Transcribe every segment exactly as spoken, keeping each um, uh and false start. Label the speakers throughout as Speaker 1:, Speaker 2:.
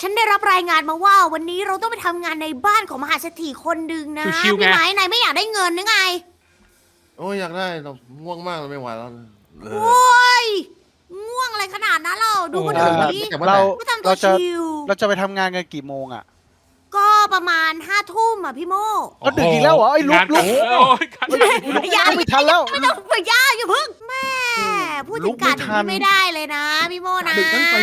Speaker 1: ฉันได้รับรายงานมาว่าวันนี้เราต้องไปทำงานในบ้านของมหาเศรษฐีคนหนึ่งนะ
Speaker 2: ชิวๆไง
Speaker 1: พี่ไม้นายไม่อยากได้เงินหรือไง
Speaker 3: โอ้ยอยากได้เราง่วงมากเราไม่ไหวแล้วเอ
Speaker 1: โอ
Speaker 3: อ้
Speaker 1: ยง่วงอะไรขนาดนั้นเราดูคน
Speaker 3: โอ้
Speaker 1: อื่น
Speaker 3: โห
Speaker 1: นี้
Speaker 3: แต่ว่า
Speaker 4: เรา
Speaker 1: ก็ทำตั
Speaker 4: เรา
Speaker 1: ว
Speaker 4: จะ
Speaker 1: ชิว
Speaker 4: เราจะไปทำงานกันกี่โมงอ่ะ
Speaker 1: ก็ประมาณห้าทุ่มอ่ะพี่โม
Speaker 4: ก็ดึกอีกแล้วเหรอไอ้ลุก
Speaker 2: งาน
Speaker 4: ลุก
Speaker 2: โอ้ยการ
Speaker 1: อย่า
Speaker 4: ไม่ทันแล้ว
Speaker 1: ไม่ต้องไปย่าอย่าเพิ่งแม่พูดถึงการ
Speaker 4: ลุกไม่ทัน
Speaker 1: ไม่ได้เลยนะพี่โมนะ
Speaker 3: ดึกทั้งปี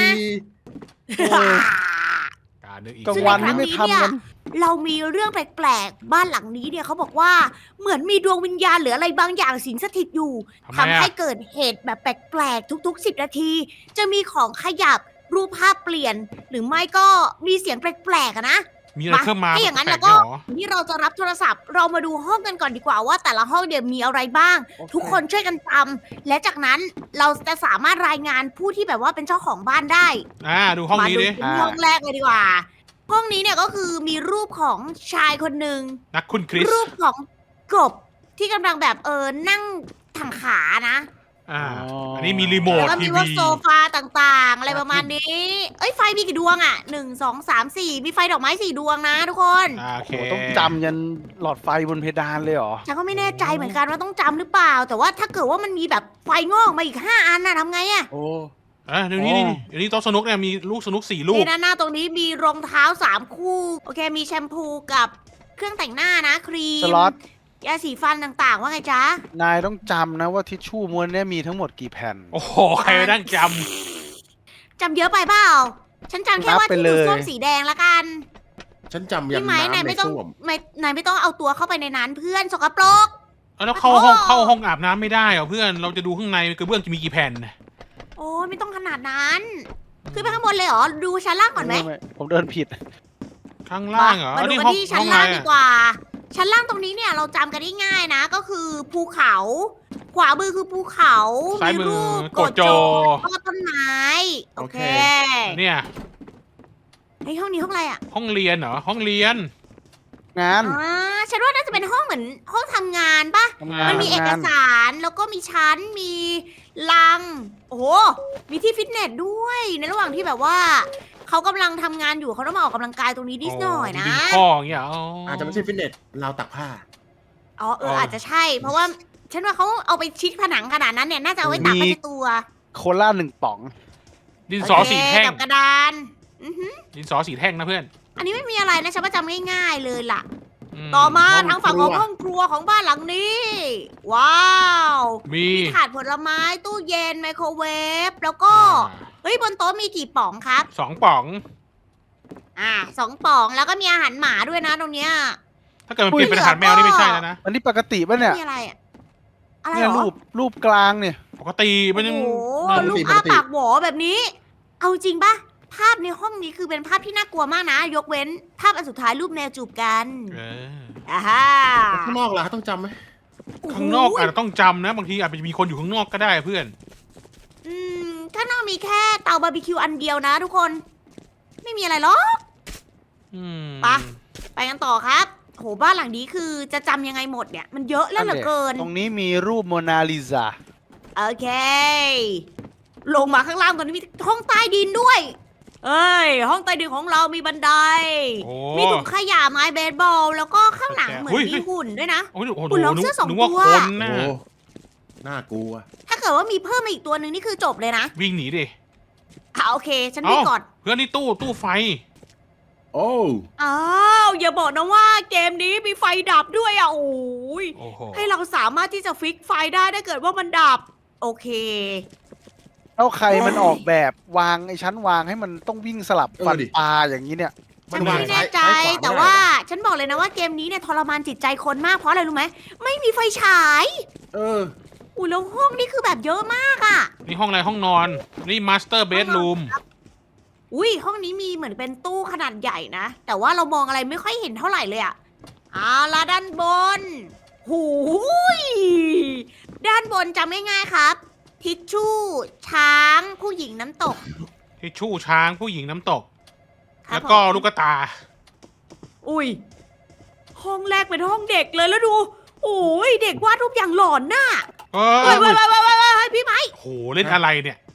Speaker 2: การนึกอีก
Speaker 4: กลางวันนี่ไม่ทำกัน
Speaker 1: เรามีเรื่องแปลกๆ บ้านหลังนี้เนี่ยเขาบอกว่าเหมือนมีดวงวิญญาณหรืออะไรบางอย่างสิงสถิตอยู่
Speaker 2: ทำไม
Speaker 1: ทำให้
Speaker 2: อะ
Speaker 1: เกิดเหตุแบบแปลกๆ ทุกๆ สิบนาที จะมีของขยับรูปภาพเปลี่ยน หรือไม่ก็มีเสียงแปลกๆอะนะ
Speaker 2: มีอะไรเพิ่มมา
Speaker 1: ถ้าอย่างนั้น
Speaker 2: แปล
Speaker 1: แล้ว
Speaker 2: กๆ
Speaker 1: ก็
Speaker 2: เหรอ
Speaker 1: ที่เราจะรับโทรศัพท์ เรามาดูห้องกันก่อนดีกว่าว่าแต่ละห้องเนี่ยมีอะไรบ้าง ทุกคนช่วยกันจำและจากนั้นเราจะสามารถรายงานผู้ที่แบบว่าเป็นเจ้าของบ้านได้
Speaker 2: อ่าดูห้องนี้ดิ
Speaker 1: มาดูห้องแรกเลยดีกว่า ห้องนี้เนี่ยก็คือมีรูปของชายคนหนึ่ง
Speaker 2: นักคุณคริส
Speaker 1: รูปของกบที่กำลังแบบเออนั่งถังขานะ
Speaker 2: อ่า
Speaker 4: อ๋ออั
Speaker 2: อันนี้มีรีโม
Speaker 1: แล้ว
Speaker 2: ท
Speaker 1: ก็
Speaker 2: ที
Speaker 1: มีว่า
Speaker 2: วี
Speaker 1: โซฟาต่างๆ อะไรประมาณนี้ เอ้ยไฟมีกี่ดวงอ่ะหนึ่งสองสามสี่มีไฟดอกไม้สี่ดวงนะทุกคน
Speaker 2: อ่าโอเค
Speaker 4: โอ้ต้องจำยันหลอดไฟบนเพดานเลยเหรอ
Speaker 1: ฉันก็ไม่แน่ใจเหมือนกันว่าต้องจำหรือเปล่า แต่ว่าถ้าเกิดว่ามันมีแบบไฟงอกมาอีกห้าอันน่ะทำไงอ่ะ
Speaker 3: โอ้
Speaker 2: อ่ะเดี๋ยวนี้
Speaker 4: อ๋อ
Speaker 2: นี่เดี๋ยวนี้โต๊ะสนุกเนี่ยมีลูกสนุกสี่ลูก
Speaker 1: นี่ด้านหน้าตรงนี้มีรองเท้าสามคู่ โอเคมีแชมพูกับเครื่องแต่งหน้านะครีม
Speaker 4: สล็อต
Speaker 1: ยาสีฟันต่างๆ ว่าไงจ๊ะ
Speaker 4: นายต้องจำนะว่าทิชชู่ม้วนเนี่ยมีทั้งหมดกี่แผ่น
Speaker 2: โอ้โหใครไปนั่งจ
Speaker 1: จำเยอะไปเปล่า ฉันจำแค่
Speaker 4: นับ
Speaker 1: ว่า
Speaker 4: ไป
Speaker 1: ที่
Speaker 4: เล
Speaker 1: ดู
Speaker 4: ย
Speaker 1: ส้วมสีแดงละกัน
Speaker 3: ฉันจำยัน
Speaker 1: พี่ไม้นาย
Speaker 3: น้ำใน
Speaker 1: ไม่ต้อง
Speaker 3: ส้วม
Speaker 1: ไม่นายไม่ต้องเอาตัวเข้าไปในนั้นเพื่อนสกปรก
Speaker 2: ำแล้วเข้าห้องเข้าห้องอาบน้ำไม่ได้เหรอเพื่อนเราจะดูข้างในกระเบื้องจะมีกี่แผ่น
Speaker 1: โอ้ยไม่ต้องขนาดนั้น ขึ้นไปข้างบนเลยเหรอ ดูชั้นล่างก่อนไหม
Speaker 4: ผมเดินผิด
Speaker 2: ข้างล่างเหรอ
Speaker 1: มา
Speaker 2: อัน
Speaker 1: ดู
Speaker 2: นี้
Speaker 1: กัน
Speaker 2: ห้อง
Speaker 1: ที่ชั้
Speaker 2: ห้
Speaker 1: น
Speaker 2: องอะไร
Speaker 1: ล่างดี
Speaker 2: อะ
Speaker 1: กว่า ชั้นล่างตรงนี้เนี่ยเราจำกันได้ง่ายนะ ก็คือภูเขา ขวามือคือภูเขา
Speaker 2: ซ้ายมือ
Speaker 1: รูป
Speaker 2: โกโจ
Speaker 1: แล้วก็ต้นไม้ โอเค
Speaker 2: เนี่ย
Speaker 1: ไอยห้องนี้ห้องอะไรอ่ะ
Speaker 2: ห้องเรียนเหรอห้องเรียน
Speaker 4: งาน
Speaker 1: อ่าฉันว่าน่าจะเป็นห้องเหมือนห้องทำงานปะ
Speaker 4: ทำงาน
Speaker 1: มันมีเอก
Speaker 4: ทำงาน
Speaker 1: สารแล้วก็มีชั้นมีลัง โอ้โห มีที่ฟิตเนสด้วย ในระหว่างที่แบบว่าเขากำลังทำงานอยู่เขาต้องมาออกกำลังกายตรงนี้นิดหน่อยนะ
Speaker 2: ดึงข้ออย่างเงี้ยอ๋ออ
Speaker 3: อาจจะไม่ใช่ฟิตเนสเราวตักผ้า
Speaker 1: อ๋อเอออาจจะใช่ เพราะว่าฉันว่าเขาเอาไปชิดผนังขนาดนั้นเนี่ยน่าจะเอาไว้ตากผ้าเช็ดตัว
Speaker 4: โคล่าหนึ่งป๋อง
Speaker 2: ดินสอสีแท่ง
Speaker 1: โอเคกับกระดาน อือหือ
Speaker 2: ดินสอสีแท่งนะเพื่อน
Speaker 1: อันนี้ไม่มีอะไรนะฉันว่าจำง่ายๆเลยล่ะ
Speaker 2: ม
Speaker 1: ต่อมา
Speaker 3: ห้อง
Speaker 1: ทางฝั่งของ
Speaker 3: ครัว
Speaker 1: ห้องครัวของบ้านหลังนี้ ว้าว
Speaker 2: มี
Speaker 1: มีถาดผลไม้ตู้เย็นไมโครเวฟแล้วก็
Speaker 2: อ่า
Speaker 1: เฮ้ยบนโต๊ะมีกี่ป๋องครับ
Speaker 2: สองป๋อง
Speaker 1: อ่าสองป๋องแล้วก็มีอาหารหมาด้วยนะตรงเนี้ย
Speaker 2: ถ้าเกิดมันเปลี่ยนเป็นอาหารแมวนี่ไม่ใช่แล้วนะ
Speaker 4: อันนี้ปกติป่ะเนี่ย
Speaker 1: มีอะไรอะอะไร
Speaker 4: เนี่ย
Speaker 1: เหรอ
Speaker 4: รูปรูปกลางเนี่ย
Speaker 2: ปกติมันยัง
Speaker 1: โอ้โห
Speaker 2: มัน
Speaker 1: ลูกอ้าปากหวอแบบนี้ เอาจริงปะภาพในห้องนี้คือเป็นภาพที่น่ากลัวมากนะ ยกเว้น ภาพอันสุดท้ายรูปแนวจูบกัน
Speaker 2: เออ
Speaker 1: อ่าฮะ
Speaker 3: ข้างนอกล่ะต้องจำไหม
Speaker 2: ข้างนอกอาจจะต้องจำนะ บางทีอาจจะมีคนอยู่ข้างนอกก็ได้เพื่อน
Speaker 1: อืมข้างนอกมีแค่เตาบาร์บีคิวอันเดียวนะทุกคน ไม่มีอะไรหรอก
Speaker 2: อืม
Speaker 1: ไป ไปกันต่อครับโหบ้านหลังนี้คือจะจำยังไงหมดเนี่ย มันเยอะแล้วเหลือเกิน
Speaker 4: ตรงนี้มีรูปโมนาลิซา
Speaker 1: โอเค ลงมาข้างล่างตอนนี้มีห้องใต้ดินด้วย เอ้ย ห้องใต้ดินของเรามีบันได
Speaker 2: โอ้
Speaker 1: มีถุงขยะไม้เบสบอล แล้วก็ข้างหลังเหมือน
Speaker 2: เฮ้ย
Speaker 1: มีหุ่นด้วยนะ
Speaker 2: โอ้ยโอ้โห
Speaker 1: คุณลอง
Speaker 2: นึก
Speaker 1: เสื้อสอง
Speaker 2: นึกว่า
Speaker 1: ตัว
Speaker 2: คน
Speaker 3: โอ้
Speaker 2: น่ะ
Speaker 3: น่ากลัว
Speaker 1: ถ้าเกิดว่ามีเพิ่มมาอีกตัวหนึ่งนี่คือจบเลยนะ
Speaker 2: วิ่งหนีดิ
Speaker 1: อ่ะโอเค ฉันวิ่งก่อน
Speaker 2: เพื่อนนี่ตู้ตู้ไฟ
Speaker 3: โอ้
Speaker 1: อ้าว อย่าบอกนะว่าเกมนี้มีไฟดับด้วยอ่ะ โอ้ย
Speaker 2: โอ้โห
Speaker 1: ให้เราสามารถที่จะฟิกไฟได้ถ้าเกิดว่ามันดับ โอเค
Speaker 4: แล้วใครมันออกแบบวางไอ้ชั้นวางให้มันต้องวิ่งสลับฟัน
Speaker 3: เออดิ
Speaker 4: ปลาอย่างนี้เนี่ย
Speaker 1: ฉัน
Speaker 3: วาง
Speaker 1: ไม่แน่ใจ
Speaker 3: ซ้ายขวาไม่ได้
Speaker 1: แต่ว่าฉันบอกเลยนะว่าเกมนี้เนี่ยทรมานจิตใจคนมากเพราะอะไรรู้ไหมไม่มีไฟฉาย
Speaker 3: เออ
Speaker 1: อุ้ยแล้วห้องนี่คือแบบเยอะมากอ่ะ
Speaker 2: นี่ห้องอะไรห้องนอน นี่มาสเตอร์เบดรูม
Speaker 1: อุ้ยห้องนี้มีเหมือนเป็นตู้ขนาดใหญ่นะ แต่ว่าเรามองอะไรไม่ค่อยเห็นเท่าไหร่เลยอะเอาละด้านบนหูยด้านบนจำง่ายๆครับ ทิชชู่ ช้าง ผู้หญิงน้ำตก
Speaker 2: ทิชชู่ช้างผู้หญิงน้ำตก
Speaker 1: ครับ
Speaker 2: แล้วก็
Speaker 1: ผม
Speaker 2: ลูกตา
Speaker 1: อุ้ยห้องแรกเป็นห้องเด็กเลยแล้วดูโอ้ยเด็กวาดรูปอย่างหลอนน่ะ
Speaker 2: เอ
Speaker 1: เฮ้ย
Speaker 2: อ
Speaker 1: เฮ้ยเฮ้ยเฮ้ยเฮ้ยพี่ไม้
Speaker 2: โหเล่นอะไรเนี่ย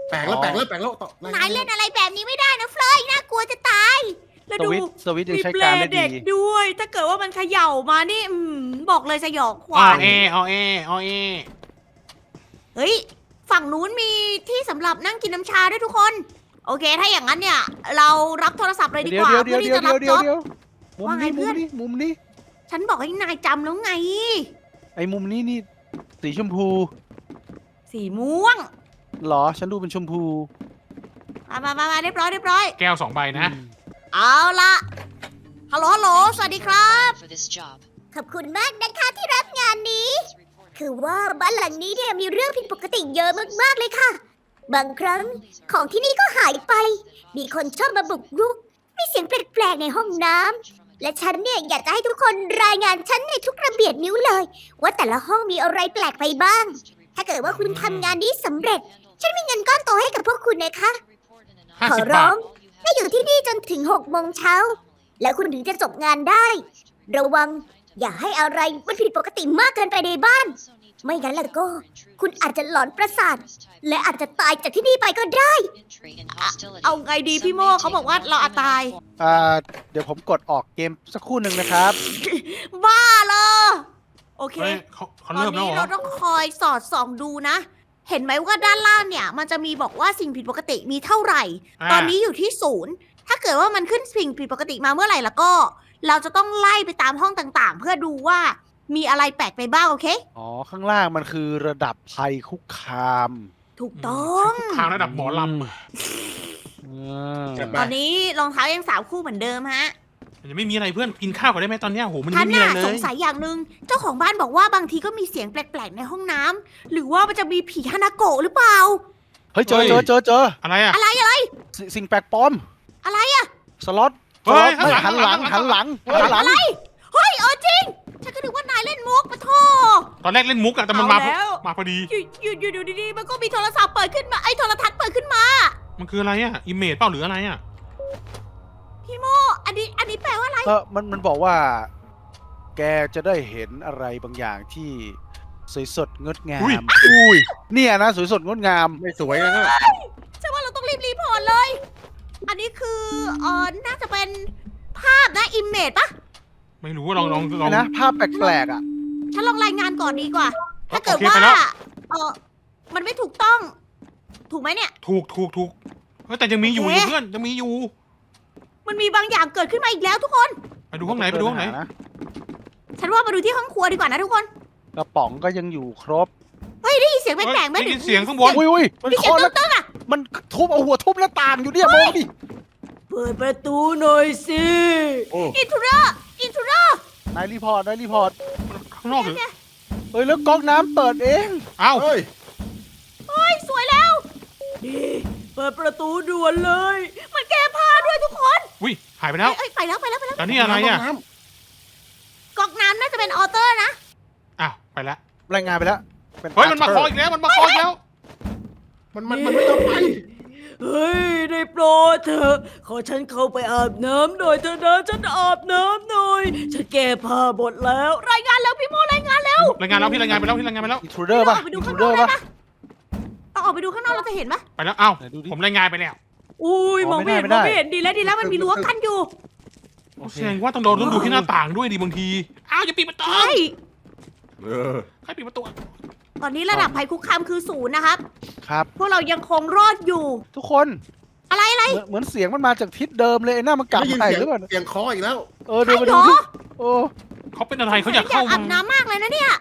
Speaker 3: แปลกแล้วแปลกแล้วแปลกแล้วต่อน
Speaker 1: ายเล่นอะไรแบบนี้ไม่ได้นะเฟลยน่ากลัวจะตาย แล้ว
Speaker 4: ส
Speaker 1: ดู
Speaker 4: วิตช์สวิตช์ยัง
Speaker 1: มี
Speaker 4: ใช้
Speaker 1: เปล
Speaker 4: การได้
Speaker 1: เด็ก
Speaker 4: ดี
Speaker 1: ด้วย ถ้าเกิดว่ามันเขย่ามานี่อืมบอกเลยสยองข
Speaker 2: อ๋อ
Speaker 1: วัญ
Speaker 2: เออ๋อเออ๋อเอ
Speaker 1: เฮ้ย ฝั่งนู้นมีที่สำหรับนั่งกินน้ำชาด้วยทุกคน โอเค ถ้าอย่างนั้นเนี่ย เรารับโทรศัพท์เลยดี
Speaker 4: เดี๋ย
Speaker 1: ก
Speaker 4: ว
Speaker 1: ว่า
Speaker 4: เดี๋ยว
Speaker 1: เพื่
Speaker 4: เดี๋
Speaker 1: อ
Speaker 4: ยว
Speaker 1: ที่
Speaker 4: เดี๋ยว
Speaker 1: จะรับ
Speaker 4: เดี๋ยว
Speaker 1: จ็อบ
Speaker 4: เดี๋ยวมุม
Speaker 1: ว่าไง
Speaker 4: นี้
Speaker 1: เพื่
Speaker 4: มุ
Speaker 1: อ
Speaker 4: ม
Speaker 1: น
Speaker 4: นี้มุมนี้
Speaker 1: ฉันบอกให้นายจำแล้วไง
Speaker 4: ไอ้มุมนี้นี่สีชมพู
Speaker 1: สีม่วง
Speaker 4: เหรอฉันดูเป็นชมพู
Speaker 1: มามามามาเรียบร้อยเรียบร้อย
Speaker 2: แก้วสองใบนะ
Speaker 4: อืม
Speaker 1: เอาละฮัลโหลฮัลโหล สวัสดีครับ
Speaker 5: for this job.
Speaker 1: ขอบคุณมากนะคะที่รับงานนี้ คือว่าบ้านหลังนี้เนี่ยมีเรื่องผิดปกติเยอะมากๆเลยค่ะ บางครั้งของที่นี่ก็หายไป มีคนชอบมาบุกรุก มีเสียงแปลกๆในห้องน้ำ และฉันเนี่ยอยากจะให้ทุกคนรายงานฉันในทุกระเบียดนิ้วเลย ว่าแต่ละห้องมีอะไรแปลกไปบ้าง ถ้าเกิดว่าคุณทำงานนี้สำเร็จ ฉันมีเงินก้อนโตให้กับพวกคุณนะคะ
Speaker 2: ห้า
Speaker 1: ขอ
Speaker 2: สิบ
Speaker 1: ร้
Speaker 2: บา
Speaker 1: อ
Speaker 2: ท
Speaker 1: งให้อยู่ที่นี่จนถึงหกโมงเช้า แล้วคุณถึงจะจบงานได้ ระวังอย่าให้อะไรมันผิดปกติมากเกินไปในบ้าน ไม่งั้นแล้วก็ คุณอาจจะหลอนประสาท และอาจจะตายจากที่นี่ไปก็ได้ เอาไงดีพี่โม่เขาบอกว่าเราอาจตาย
Speaker 4: อ่าเดี๋ยวผมกดออกเกมสักครู่หนึ่งนะครับ
Speaker 1: บ้าเลยโอเค
Speaker 2: เฮ้ยเขาเขา
Speaker 1: ตอน
Speaker 2: เริ่มแล้ว
Speaker 1: นี้
Speaker 2: เหร
Speaker 1: เรา
Speaker 2: อ
Speaker 1: ต้องคอยสอดส่องดูนะ เห็นไหมว่าด้านล่างเนี่ย มันจะมีบอกว่าสิ่งผิดปกติมีเท่าไหร่
Speaker 2: า
Speaker 1: ตอนนี้อยู่ที่ศูนย์ ถ้าเกิดว่ามันขึ้นสิ่งผิดปกติมาเมื่อไหร่แล้วก็ เราจะต้องไล่ไปตามห้องต่างๆ เพื่อดูว่ามีอะไรแปลกไปบ้างโอเค
Speaker 4: อ๋อ ข้างล่างมันคือระดับภัยคุกคาม
Speaker 1: ถูกต้อง
Speaker 2: ทางระดับหมอล
Speaker 4: อืม
Speaker 3: จัดไป
Speaker 1: ตอนนี้รองเท้ายังสามคู่เหมือนเดิมฮะ
Speaker 2: ำยังไม่มีอะไรเพื่อนกินข้าวก่อนได้ไหมตอนเนี้ยโหมัน
Speaker 1: ท่า
Speaker 2: ไม่
Speaker 1: น
Speaker 2: มี
Speaker 1: น่ะ
Speaker 2: อะไรเล
Speaker 1: สง
Speaker 2: ย
Speaker 1: สัยอย่างหนึ่งเจ้าของบ้านบอกว่าบางทีก็มีเสียงแปลกๆในห้องน้ำหรือว่ามันจะมีผีฮานาโกะหรือเปล่า
Speaker 4: เฮ้ยเจอเจอเจอเจอ
Speaker 2: อะไรอ่ะ
Speaker 1: อะไรอะไร
Speaker 4: สิสิ่งแปลกปลอม
Speaker 1: อะไรอะ
Speaker 4: สล็อต
Speaker 2: เฮ้
Speaker 4: สล็อต
Speaker 2: ยข้างหลัง
Speaker 4: หันหลัง
Speaker 2: ข้า
Speaker 4: หั
Speaker 2: ง
Speaker 4: น
Speaker 2: ห
Speaker 4: ห
Speaker 2: ลั
Speaker 4: ลั
Speaker 2: ง
Speaker 4: งหันหลัง
Speaker 1: เฮ้ยเออจริง ฉันก็นึกว่านายเล่นมุกปะโท
Speaker 2: ตอนแรกเล่นมุกอะแต่มันมา
Speaker 1: เอาแล้ว
Speaker 2: มาพอดี
Speaker 1: อยู่อยู่อยู่อยู่ดีๆมันก็มีโทรศัพท์เปิดขึ้นมาไอ้โทรทัศน์เปิดขึ้นมา
Speaker 2: มันคืออะไรอ่ะอิมเมจเปล่าหรืออะไรอ่ะ
Speaker 1: พี่โมอันนี้อันนี้แปลว่าอะไร
Speaker 4: เออมันมันบอกว่า แกจะได้เห็นอะไรบางอย่างที่สวยสดงดงาม
Speaker 2: อุ้ย
Speaker 4: อุ้ยเนี่ยนะสวยสดงดงาม
Speaker 3: ไม่สวยนะ
Speaker 1: ฉันว่าเราต้องรีบรีพอร์ตเลย อันนี้คือเออน่าจะเป็นภาพนะอิมเมจปะ
Speaker 2: ไม่รู้ว่าลองลองลอง
Speaker 4: นะภาพแปลกๆอ่ะ
Speaker 1: ฉันลองรายงานก่อนดีกว่า ถ้าเกิด
Speaker 2: โอเค
Speaker 1: ว่า
Speaker 2: ไปแล้ว
Speaker 1: เออมันไม่ถูกต้อง ถูกไหมเนี่ย
Speaker 2: ถูกถูกถูกเฮ้ยแต่ยังมีอยู่
Speaker 1: โอ
Speaker 2: อ
Speaker 1: เค
Speaker 2: ยู่เพื่อนยังมีอยู่
Speaker 1: มันมีบางอย่างเกิดขึ้นมาอีกแล้วทุกคน
Speaker 2: ไปดูห้องไหนไปดูห้องไหน
Speaker 4: นะ
Speaker 1: ฉันว่ามาดูที่ห้องครัวดีกว่านะทุกคน
Speaker 4: กระป๋องก็ยังอยู่ครบ
Speaker 1: เฮ้ยได้ยินเสียงแปลกๆไหม
Speaker 2: ได้ยินเสียงข้างบน
Speaker 4: อุ้ยอุ้ยมัน
Speaker 1: มีเสีย
Speaker 4: เคาง ะแล้ว
Speaker 1: ตึ้งๆอ่ะ
Speaker 4: มันทุบเอาหัวทุบหน้าต่างอยู่เนี่ยมองดิ
Speaker 1: เปิดประตูหน่อยสิ
Speaker 3: โอ้
Speaker 1: อินทูเดอร์อินทูเดอร์
Speaker 4: นายรีพอร์ตนายรีพอร์ต
Speaker 2: ข้างนอกหรือ
Speaker 4: เฮ้ยแล้วก๊อกน้ำเปิดเอง
Speaker 2: เอ้า
Speaker 3: เฮ้ย
Speaker 1: เฮ้ยสวยแล้วนี่เปิดประตูด่วนเลย มันแก้ผ้าด้วยทุกคน
Speaker 2: อุ้ยหายไปแล้ว
Speaker 1: เอ้ยไปแล้วไปแล้วไปแล้ว
Speaker 2: แล้วนี่อะไรอ่ะ
Speaker 3: น้
Speaker 1: ก๊อกน้ำน่าจะเป็นออเตอร์นะ
Speaker 2: อ้าวไปแล้ว
Speaker 4: รายงานไปแล้วป็
Speaker 2: เฮ้ยมันมาคออีกแล้วมันมาคออีกแล้ว
Speaker 3: ำมันมันมันไม่ต้องไป
Speaker 1: เฮ้ยได้โปรดเถอะขอฉันเข้าไปอาบน้ำหน่อยเถอะนะฉันอาบน้ำหน่อยฉันแก้ผ้าหมดแล้ว รายงานแล้วพี่โมรายงานแล้ว
Speaker 2: รายงานแล้วพี่รายงานไปแล้วพี่รายงานไปแล้ว
Speaker 4: อินทรูเดอร์ป่ะ
Speaker 1: เราออกไปดู
Speaker 4: อินท
Speaker 1: ข้า
Speaker 4: รู
Speaker 1: งน
Speaker 4: เด
Speaker 1: อ
Speaker 4: อก ร์
Speaker 1: ได้
Speaker 4: ป่ะ
Speaker 1: ปะเราออกไปดูข้างนอกเราจะเห็นปะ
Speaker 2: ไปแล้วเอ้า
Speaker 4: ไหนดูดิ
Speaker 2: ผมรายงานไปแล้ว
Speaker 1: อุ้ย
Speaker 4: อ๋อ
Speaker 1: มองไม่เห็น
Speaker 4: ไม่
Speaker 1: ม
Speaker 4: ได้
Speaker 1: อง
Speaker 4: ไม่ได้
Speaker 1: ไม่เห็นดีแล้วดีแล้วมันมีรั้วกั้นอยู่
Speaker 4: โอเค
Speaker 2: แสดงว่าต้องโดนต้องดูที่หน้าต่างด้วยดิบางทีอ้าวอย่าปิดประตู
Speaker 1: ใช่
Speaker 3: เออ
Speaker 2: ใครปิดประตู
Speaker 1: ตอนนี้ระดับภัยคุกคามคือศูนย์นะครับ
Speaker 4: ครับ
Speaker 1: พวกเรายังคงรอดอยู่
Speaker 4: ทุกคน
Speaker 1: อะไรอะไร
Speaker 4: เหมือนเหมือนเสียงมันมาจากทิศเดิมเลยไอ้หน้ามันกลับ
Speaker 3: ได้ยิน
Speaker 4: ไป
Speaker 3: เสียง
Speaker 4: หรือเปล่า
Speaker 3: เสียงเคออีกแล้ว
Speaker 4: เออเดินมา
Speaker 1: ใช่
Speaker 4: ดู
Speaker 1: เหร
Speaker 4: ดิ
Speaker 1: อ
Speaker 4: โอ้
Speaker 2: เขาเป็นอะไรเขาอยาก
Speaker 1: อยา
Speaker 2: เข้าก
Speaker 1: อา
Speaker 2: มา
Speaker 1: บน้ำมากเลยนะเนี่ย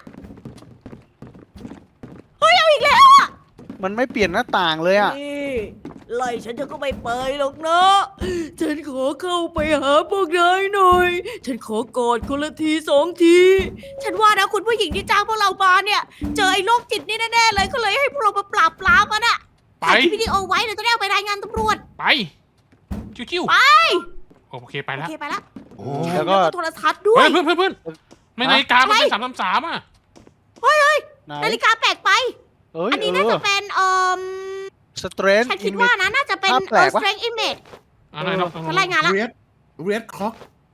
Speaker 1: เฮ้ยเอาอีกแล้วอะ
Speaker 4: มันไม่เปลี่ยนหน้าต่างเลยอ่ะ
Speaker 1: นี่ไล่ฉันจะก็ไม่ไปหรอกนะ ฉันขอเข้าไปหาพวกนายหน่อย ฉันขอกอดคนละทีสองที ฉันว่านะคุณผู้หญิงที่จ้างพวกเรามาเนี่ย เจอไอ้โรคจิตนี่แน่ๆเลยก็เลยให้พวกเรามาปราบปรามมันอะ
Speaker 2: ไป
Speaker 1: ถ่ายคลิปวิดีโอไว้เดี๋ยวจะได้เอาไปรายงานตำรวจ
Speaker 2: ไปจิ้วๆ
Speaker 1: ไป
Speaker 2: โอเคไป
Speaker 1: โอ
Speaker 2: แล้ว
Speaker 1: เคไปละ
Speaker 3: โอ้
Speaker 4: แล้วก็
Speaker 1: โทรทัศน์ด้ว
Speaker 2: เฮ้
Speaker 1: ย
Speaker 2: ยเพื่อนเพื่อนเพื่อนไม่นาฬิกามันเป็นสามสามสามอ่ะ
Speaker 4: ไหน
Speaker 1: นาฬิกาแปลกไป
Speaker 4: เอ้ย
Speaker 1: อันนี้
Speaker 4: เอ
Speaker 1: น่า
Speaker 4: อ
Speaker 1: จะเป็นเอ่อ
Speaker 4: สเตรน
Speaker 1: ฉันคิดว่านะน่าจะเป็น
Speaker 4: ภาพแปล
Speaker 1: เอ่อก
Speaker 4: วะ
Speaker 1: strength image
Speaker 2: อะไรเรา
Speaker 1: ฉันรายงานละ
Speaker 3: เรียดเรียดคล็อก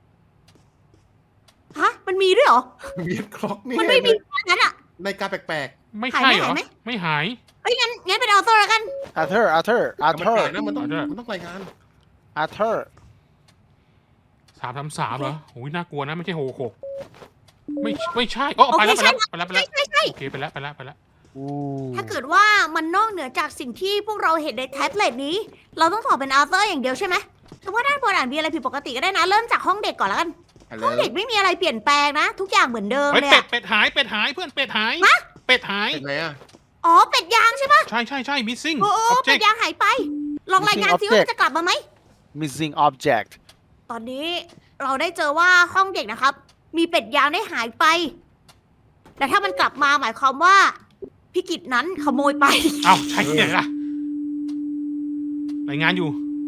Speaker 1: ฮะ มันมีด้วยเหรอ
Speaker 3: เรียดคล็อกนี่
Speaker 1: มันไม่มีอันนั้นอะ
Speaker 3: ในการแปลก
Speaker 2: ไม่ใช่เหรอ
Speaker 1: หายไหม
Speaker 2: ไม่หาย
Speaker 1: หเอ้ยงั้นงั้นเป็นอัลเทอร์แล้วกัน
Speaker 4: อาร์เธอร์อาร์เธอร์อาร์
Speaker 3: แต่
Speaker 4: เธ
Speaker 3: มัน
Speaker 4: อ
Speaker 3: แปล
Speaker 4: ร์
Speaker 3: กนะมันต้องมันต้องรายงาน
Speaker 4: อาร์เธอร์
Speaker 2: สามสามสามเหรอโอ้ยน่ากลัวนะไม่ใช่โหหกไม่ไม่ใช่โอ้ไปแล้วไปแล้วไปแล้วไป
Speaker 1: ใช่
Speaker 2: แล้ว
Speaker 1: ใช่ใช่
Speaker 2: โอเคไปแล้วไปแล้วไปแล้ว
Speaker 4: อู้
Speaker 1: ถ้าเกิดว่ามันนอกเหนือจากสิ่งที่พวกเราเห็นในแท็บเล็ตนี้ เราต้องตอบเป็นอัลเทอร์อย่างเดียวใช่ไหมแต่ว่าด้านบนอ่านมีอะไรผิดปกติก็ได้นะ เริ่มจากห้องเด็กก่อนแล้วกัน
Speaker 3: ฮัลโหล
Speaker 1: ห้องเด็กไม่มีอะไรเปลี่ยนแปลงนะ ทุกอย่างเหมือนเดิม
Speaker 2: เฮ้ย
Speaker 1: เลย
Speaker 2: เป็ด
Speaker 1: อะ
Speaker 2: เป็ดหายเป็ดหายเพื่อนเป็ดหายเป็ดหาย
Speaker 3: เป็นไงอ่ะ
Speaker 1: อ๋อเป็ดยางใช่ปะ
Speaker 2: ใช่ใช่ใช่ missing
Speaker 1: โอ้โอ้เป็ด
Speaker 2: object
Speaker 1: ยางหายไป ลองรายงานซิว่ามันจะกลับมาไหม
Speaker 4: มิสซิ่งออบเจกต์
Speaker 1: ตอนนี้เราได้เจอว่าห้องเด็กนะครับ มีเป็ดยางได้หายไป แต่ถ้ามันกลับมาหมายความว่าพี่กิจนั้นขโมยไป
Speaker 2: เอ้าใช่ที่ไหนล่ะรายงานอยู่